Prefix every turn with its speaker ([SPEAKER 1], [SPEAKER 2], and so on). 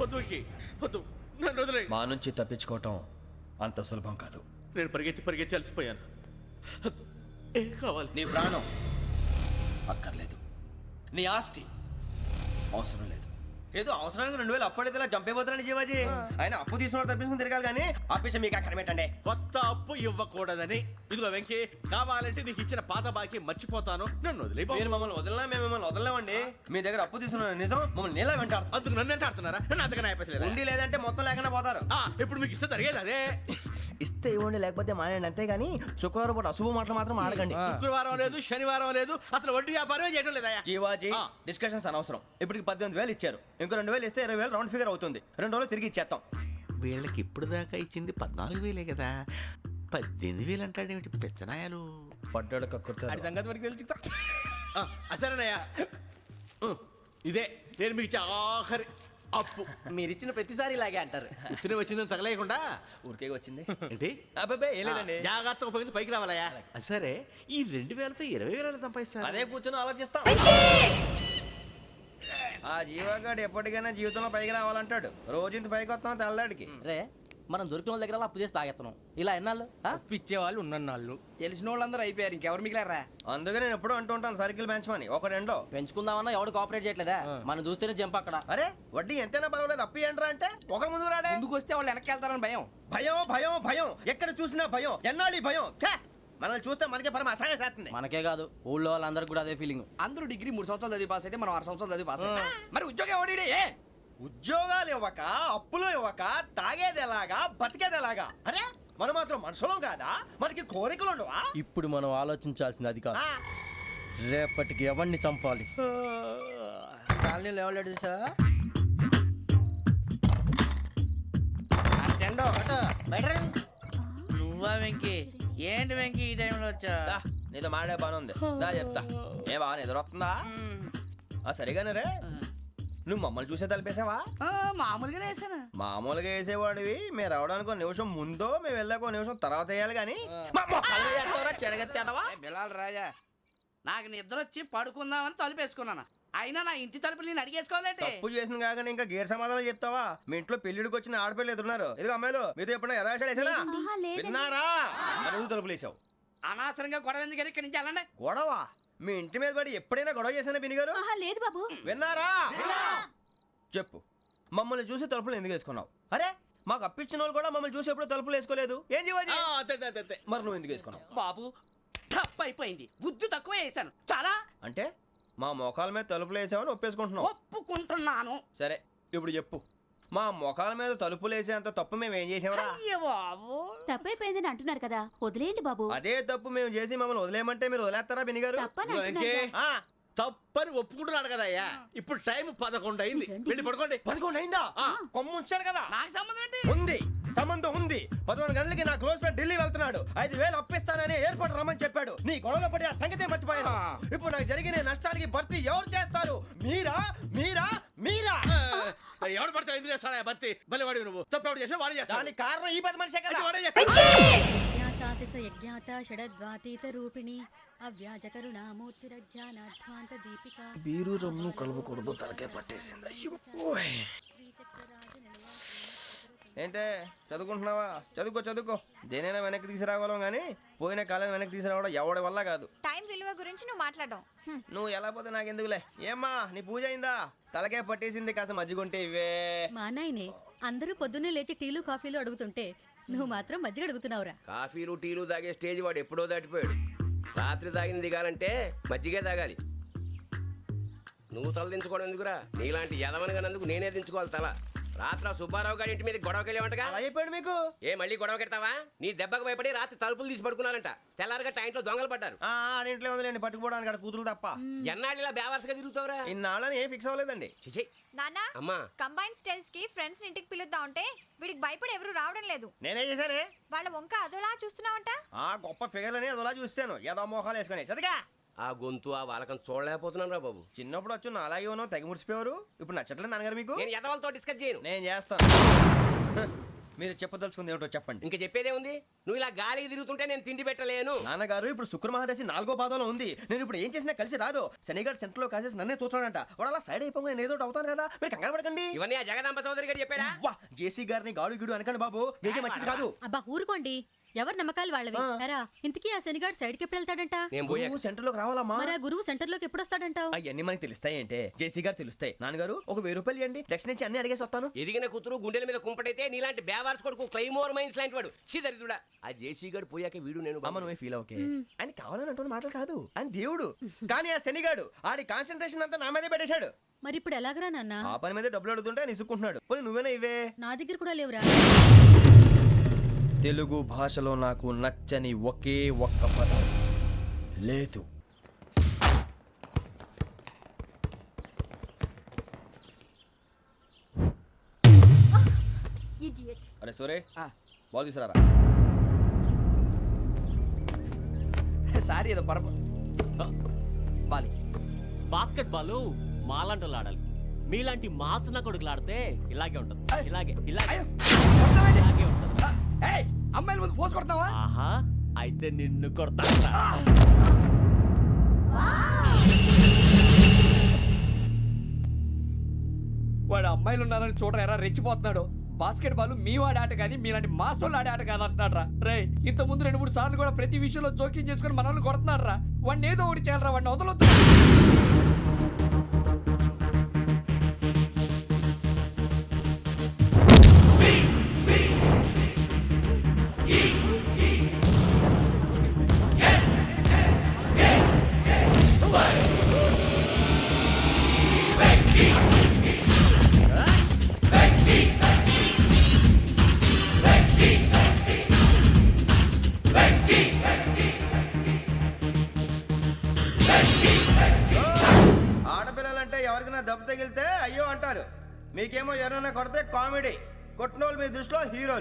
[SPEAKER 1] వద్దు వెంకీ, వద్దు, నన్ను వదిలే.
[SPEAKER 2] మా నుంచి తప్పించుకోవటం అంత సులభం కాదు.
[SPEAKER 1] నేను పరిగెత్తి అలసిపోయాను. ఏం కావాలి?
[SPEAKER 2] నీ ప్రాణం అక్కర్లేదు, నీ ఆస్తి అవసరం లేదు. ఏదో అవసరానికి 2000 అప్పుడైతే ఇలా చంపేపోతారని జీవాజీ. ఆయన అప్పు తీసుకున్న తప్పించుకుని తిరగాలి కానీ ఆపేసి మీకు అక్కడ పెట్టండి.
[SPEAKER 1] కొత్త అప్పు ఇవ్వకూడదని. ఇదిగో వెంకీ, కావాలంటే నీకు ఇచ్చిన పాత బాకీ మర్చిపోతాను, నన్ను వదిలే.
[SPEAKER 2] మీరు మమ్మల్ని వదలనా? మేము మిమ్మల్ని వదలలేమండి. మీ దగ్గర అప్పు తీసుకున్న నిజం మమ్మల్ని నీలా వెంటాడు.
[SPEAKER 1] అందుకు నన్ను ఎంత ఆడుతున్నారా? నన్ను అంతగా నాయపసలేదు.
[SPEAKER 2] ఉండి లేదంటే మొత్తం లేకుండా పోతారు.
[SPEAKER 1] ఇప్పుడు మీకు ఇస్తే జరిగేది అదే.
[SPEAKER 2] ఇస్తే ఇవ్వండి, లేకపోతే మానేయండి, అంతేగాని శుక్రవారం పూట అశుభ మాటలు మాత్రం ఆడకండి.
[SPEAKER 1] శుక్రవారం లేదు, శనివారం లేదు, అసలు వడ్డీ వ్యాపారమే చేయడం లేదా?
[SPEAKER 2] జీవాజీ, డిస్కషన్స్ అనవసరం. ఇప్పటికి 18,000 ఇచ్చారు, ఇంకో 2,000 ఇస్తే 20,000 రౌండ్ ఫిగర్ అవుతుంది. 2 రోజులు తిరిగి ఇచ్చేస్తాం.
[SPEAKER 1] వీళ్ళకి ఇప్పుడు దాకా ఇచ్చింది 14,000 కదా, 18,000 అంటాడేమిటి పెచ్చనాయాలు?
[SPEAKER 2] పడ్డాడు కక్కుర్తాడు.
[SPEAKER 1] సంగతి వరకు తెలిసి సరేనయ్యా, ఇదే నేను మీకు ఇచ్చే ఆఖరి అప్పు.
[SPEAKER 2] మీరిచ్చిన ప్రతిసారి ఇలాగే అంటారు.
[SPEAKER 1] ఉత్తిని వచ్చిందని తగలేయకుండా
[SPEAKER 2] ఊరికే వచ్చింది
[SPEAKER 1] ఏంటి?
[SPEAKER 2] అబ్బాబే ఏం లేదండి.
[SPEAKER 1] జాగ్రత్తగా ఉపయోగించి పైకి రావాలయ్యా. సరే, ఈ 2,000తో 20,000 సంపాదిస్తారు.
[SPEAKER 2] అదే కూర్చొని ఆలోచిస్తాం. ఆ జీవగాడు ఎప్పటికైనా జీవితంలో పైకి రావాలంటాడు. రోజు ఇంత పైకి వస్తాం తెల్లడికి.
[SPEAKER 3] రే, మనం దొరికిన వాళ్ళ దగ్గర అప్పు చేసి తాగెత్తనం. ఇలా ఎన్నాళ్ళు
[SPEAKER 4] పిచ్చేవాళ్ళు ఉన్నన్నాళ్ళు తెలిసిన వాళ్ళందరూ అయిపోయారు, ఇంకెవరు మిగిలారా?
[SPEAKER 2] అందుకే నేను ఎప్పుడు అంటూ ఉంటాను, సర్కిల్ బెంచ్ మని ఒక రెండో
[SPEAKER 3] పెంచుకుందామన్నా ఎవడు కోఆపరేట్ చేయట్లేదా? మనం చూస్తేనే జంప్ అక్కడ.
[SPEAKER 2] అరే వడ్డీ ఎంతైనా పర్వాలేదు, అప్పు ఏంట్రా అంటే ఒక ముందు రాడే.
[SPEAKER 4] ముందుకు వస్తే వాళ్ళు వెనక్కి వెళ్తారని భయం.
[SPEAKER 2] భయం భయం భయం, ఎక్కడ చూసినా భయం. ఎన్నాళ్ళు ఈ భయం? మనల్ని చూస్తే మనకే పరమ అసహాయం చేస్తుంది.
[SPEAKER 3] మనకే కాదు, ఊళ్ళో వాళ్ళందరికీ కూడా అదే ఫీలింగ్.
[SPEAKER 4] అందరూ డిగ్రీ 3 సంవత్సరాలు చదివి పాస్ అయితే మనం 6 సంవత్సరాలు చదివి పాస్ అయ్యాం. మరి ఉద్యోగం ఎవడి?
[SPEAKER 2] ఉద్యోగాలు ఇవ్వక, అప్పులు ఇవ్వక, తాగేది ఎలాగా, బతికేది ఎలాగా? అరే మనం మాత్రం మనుషులం కాదా? మనకి కోరికలు ఉండవా?
[SPEAKER 3] ఇప్పుడు మనం ఆలోచించాల్సింది అది కాదు, రేపటికి ఎవరిని చంపాలి. కాలనీలో ఎవరు సార్?
[SPEAKER 5] నువ్వా వెంకీ? ఏంటి వెంకీ ఈ టైంలో వచ్చా?
[SPEAKER 2] నీతో మాడే పని ఉంది, దా చెప్తా. ఏ బాగా నిద్రొస్తుందా? సరిగానే రే, నువ్వు మమ్మల్ని చూసే తలిపేసావా?
[SPEAKER 5] మామూలుగానే వేసాను.
[SPEAKER 2] మామూలుగా వేసేవాడివి. మేము రావడానికి 1 నిమిషం ముందో, మేము వెళ్ళాక 1 నిమిషం తర్వాత వేయాలి కానీ
[SPEAKER 4] బిలాల్ రాజా,
[SPEAKER 5] నాకు నిద్ర వచ్చి పడుకుందామని తలుపేసుకున్నాను. అయినా నా ఇంటి తలుపులు నేను అడిగేసుకోవాలంటే
[SPEAKER 2] తప్పు చేసిన కాక ఇంకా గేర్ సమాధానం చెప్తావా? మీ ఇంట్లో పెళ్లిడికి వచ్చిన ఆడపిల్లలు ఎదురున్నారు. ఇదిగో అమ్మాయిలు, మీతో ఎప్పుడైనా యథాశాలు వేసానా? విన్నారా? అడుగు తలుపులు వేసావు.
[SPEAKER 5] అనవసరంగా గొడవ ఎందుకు? ఇక్కడి నుంచి వెళ్ళండి.
[SPEAKER 2] గొడవ? మీ ఇంటి మీద పడి ఎప్పుడైనా గొడవ చేశానా బినిగారు?
[SPEAKER 6] లేదు బాబు.
[SPEAKER 2] విన్నారా? చెప్పు, మమ్మల్ని చూసి తలుపులు ఎందుకు వేసుకున్నావు? అరే మాకు అప్పించిన వాళ్ళు కూడా మమ్మల్ని చూసి ఎప్పుడు తలుపులు వేసుకోలేదు. ఏం చేయాలి? మరి నువ్వు ఎందుకు వేసుకున్నావు?
[SPEAKER 5] బాబు టప్ అయిపోయింది, బుద్ధి తక్కువ వేసాను చాలా.
[SPEAKER 2] అంటే మా మోకాల మీద తలుపులు వేసామని ఒప్పేసుకుంటున్నావు?
[SPEAKER 5] ఒప్పుకుంటున్నాను.
[SPEAKER 2] సరే ఇప్పుడు చెప్పు, మా మొఖాల మీద తలుపులు వేసేంత తప్పు మేము ఏం చేసామరా?
[SPEAKER 5] బాబు
[SPEAKER 6] తప్పైపోయిందని అంటున్నారు కదా, వదిలేయండి బాబు.
[SPEAKER 2] అదే తప్పు మేము చేసి మమ్మల్ని వదిలేయమంటే మీరు వదిలేస్తారా బినిగారు?
[SPEAKER 1] తప్పని ఒప్పుకుంటున్నాడు కదా అయ్యా. ఇప్పుడు టైం 11 అయింది, వెళ్ళి పడుకోండి.
[SPEAKER 2] 11 అయిందా? కొమ్ము ఉంచాడు కదా.
[SPEAKER 5] నాకు సంబంధం ఏంటి?
[SPEAKER 2] ఉంది, సంబంధం ఉంది. 11 గంటలకి నా క్లోజ్ ఫ్రెండ్ ఢిల్లీ వెళ్తున్నాడు. 5,000 అప్పిస్తానని ఎయిర్పోర్ట్ రమ్మని చెప్పాడు. నీ గొడవలో పడి ఆ సంగతే మర్చిపోయాను. ఇప్పుడు నాకు జరిగిన నష్టానికి భర్తీ ఎవరు చేస్తారు? మీరా మీరా మీరా?
[SPEAKER 1] ఎవడు పడితే ఎందుకు చేస్తాడా భర్తీ? మళ్ళీ వాడి నువ్వు తప్పు ఎవడు చేసా వాడు చేస్తా.
[SPEAKER 2] దానికి కారణం ఈ 10 మనిషే కదా.
[SPEAKER 3] బీరు రమ్ము కలుపుకూడదు, తలకే పట్టేసింది.
[SPEAKER 2] ఏంటే చదువుకుంటున్నావా? చదువుకో చదువుకో. దేనైనా వెనక్కి తీసుకురావాలం కానీ పోయిన కాలం వెనక్కి తీసుకురావడం ఎవడి వల్ల కాదు.
[SPEAKER 6] టైం విలువ గురించి నువ్వు మాట్లాడడం.
[SPEAKER 2] నువ్వు ఎలా పోతే నాకెందుకులే. ఏమ్మా నీ పూజ అయిందా? తలకే పట్టేసింది, కాస్త మజ్జిగుంటే ఇవే.
[SPEAKER 7] మా నాయనే అందరూ పొద్దున్నే లేచి టీలు కాఫీలు అడుగుతుంటే నువ్వు మాత్రం మజ్జిగ అడుగుతున్నావురా.
[SPEAKER 8] కాఫీలు టీలు తాగే స్టేజ్ వాడు ఎప్పుడో దాటిపోయాడు. రాత్రి తాగింది దిగాలంటే మజ్జిగే తాగాలి. నువ్వు తల దించుకోవడం ఎందుకురా? నీలాంటి యదవనగానందుకు నేనే దించుకోవాలి తల. రాత్రి సుబ్బారావు గారి ఇంటి మీద గొడవకి వెళ్ళేవంటగా.
[SPEAKER 2] అలా చెప్పాడు మీకు?
[SPEAKER 8] ఏ మళ్ళీ గొడవ కెడతావా? నీ దెబ్బకు భయపడి రాత్రి తలుపులు తీసి పడుకున్నారంట. తెల్లారగా టైంట్లో దొంగలు పడ్డారు.
[SPEAKER 2] ఇంట్లో ఉందిలేండి, పట్టుకుపోవడానికి అక్కడ కూతురు తప్ప.
[SPEAKER 8] ఎన్నాళ్ళు ఇలా బేవర్స్గా తిరుగుతావురా?
[SPEAKER 2] ఇన్నాళ్ళని ఏం ఫిక్స్ అవ్వలేదండి.
[SPEAKER 6] నాన్న,
[SPEAKER 8] అమ్మా
[SPEAKER 6] కంబైన్ స్టైల్స్ కి ఫ్రెండ్స్ ఇంటికి పిలుద్దాం అంటే వీడికి భయపడి ఎవరు రావడం లేదు.
[SPEAKER 2] నేనే చేశానే.
[SPEAKER 6] వాళ్ళ వంక అదోలా చూస్తున్నావంట.
[SPEAKER 2] గొప్ప ఫిగర్లని అదోలా చూస్తాను, ఏదో మోహాలు వేసుకొని. చదిగా
[SPEAKER 8] ఆ గొంతు ఆ వాలకం చూడలేకపోతున్నాను రా బాబు.
[SPEAKER 2] చిన్నప్పుడు వచ్చి నా అలాగే ఉన్నావు, తెగ ముడిచిపోయారు. ఇప్పుడు నచ్చట్లేదు నాన్నగారు మీకు?
[SPEAKER 8] నేను ఎదవలతో డిస్కస్ చేయను.
[SPEAKER 2] నేను చేస్తాను. మీరు చెప్పదలుచుకుంది ఏమిటో చెప్పండి.
[SPEAKER 8] ఇంకా చెప్పేదే ఉంది. నువ్వు ఇలా గాలికి తిరుగుతుంటే నేను తిండి పెట్టలేను.
[SPEAKER 2] నాన్నగారు ఇప్పుడు శుక్ర మహాదశి 4వ పాదంలో ఉంది. నేను ఇప్పుడు ఏం చేసినా కలిసి రాదు. శనిగారు సెంటర్ లో కాసేసి నన్నే చూస్తున్నాడంట. వాడు అలా సైడ్ అయిపోయి నేను ఏదో ఒకటి అవుతాను కదా, మీరు కంగారు పడకండి.
[SPEAKER 8] ఇవన్నీ ఆ జగదాంబ చౌదరి గారు చెప్పాడా?
[SPEAKER 2] వా జేసీ గారిని గాడు గిడు అనకండి బాబు, మీకే మంచిది కాదు.
[SPEAKER 7] అబ్బా ఊరుకోండి, ఎవరి నమ్మకాలు వాళ్ళవి. ఎరా ఇంతకీ ఆ శనిగాడు సైడ్కి ఎప్పుడు వెళ్తాడంట?
[SPEAKER 8] నేను పోయా.
[SPEAKER 2] నువ్వు సెంటర్ లోకి రావాలమ్మా.
[SPEAKER 7] మరి ఆ గురువు సెంటర్ లోకి ఎప్పుడు వస్తాడంటావు?
[SPEAKER 2] అవన్నీ మనకి తెలుస్తాయి అంటే జేసీ గారు తెలుస్తాయి. నాన్నగారు ఒక 1000 రూపాయలు ఇవ్వండి, దక్షిణ నుంచి అన్ని అడిగేసి వస్తాను.
[SPEAKER 8] ఎదిగిన కూతురు గుండెల మీద కుంపటైతే నీలాంటి బేవార్స్ కొడుకు క్లైమోర్ మైన్స్ లాంటి వాడు చీదరిదుడా. ఆ జేసీ గారు పోయాక వీడు నేను
[SPEAKER 2] అమ్మ నువ్వే ఫీల్ ఓకే. ఆయన కావాలని అంటున్న మాటలు కాదు, ఆయన దేవుడు. కానీ ఆ శనిగాడు ఆడి కాన్సన్ట్రేషన్ అంతా నా మీదే పెట్టేశాడు.
[SPEAKER 7] మరి ఇప్పుడు ఎలాగరా నాన్న?
[SPEAKER 2] ఆ పని మీద డబ్బులు అడుగుతుంటే ఆయన ఇసుక్కుంటున్నాడు. పోనీ నువ్వేనా ఇవే.
[SPEAKER 7] నా దగ్గర కూడా లేవురా.
[SPEAKER 2] తెలుగు భాషలో నాకు నచ్చని ఒకే ఒక్క పదం లేదు. అరే సోరే బాల్ తీసుకురారా.
[SPEAKER 4] సారీ ఏదో పరప బాలి.
[SPEAKER 9] బాస్కెట్ బాల్ మాలాంటి ఆడాలి. మీలాంటి మాసన కొడుకులు ఆడితే ఇలాగే ఉంటుంది. ఇలాగే ఇలాగే ఇలాగే ఉంటుంది.
[SPEAKER 4] ఏయ్, అమ్మాయిల ముందు ఫోర్స్ కొడతావా?
[SPEAKER 9] ఆహా, అయితే నిన్ను కొడతా.
[SPEAKER 4] వాడు అమ్మాయిలు ఉన్నారని చూడరా ఎరా రెచ్చిపోతున్నాడు. బాస్కెట్ బాల్ మీ వాడి ఆట కానీ మీలాంటి మాసోళ్ళు ఆడే ఆట కాదు అంటున్నాడు రా. రే ఇంత ముందు 2-3 సార్లు కూడా ప్రతి విషయంలో జోక్యం చేసుకుని మన వాళ్ళు కొడుతున్నాడు రా. వాడిని ఏదో ఒకటి చేయాలరా, వాడిని వదలొద్దు.
[SPEAKER 2] ఆడపిల్లలంటే ఎవరికైనా దెబ్బ తగిలితే అయ్యో అంటారు. మీకేమో ఎవరైనా కొడితే కామెడీ. కొట్టిన వాళ్ళు మీ దృష్టిలో హీరోలు.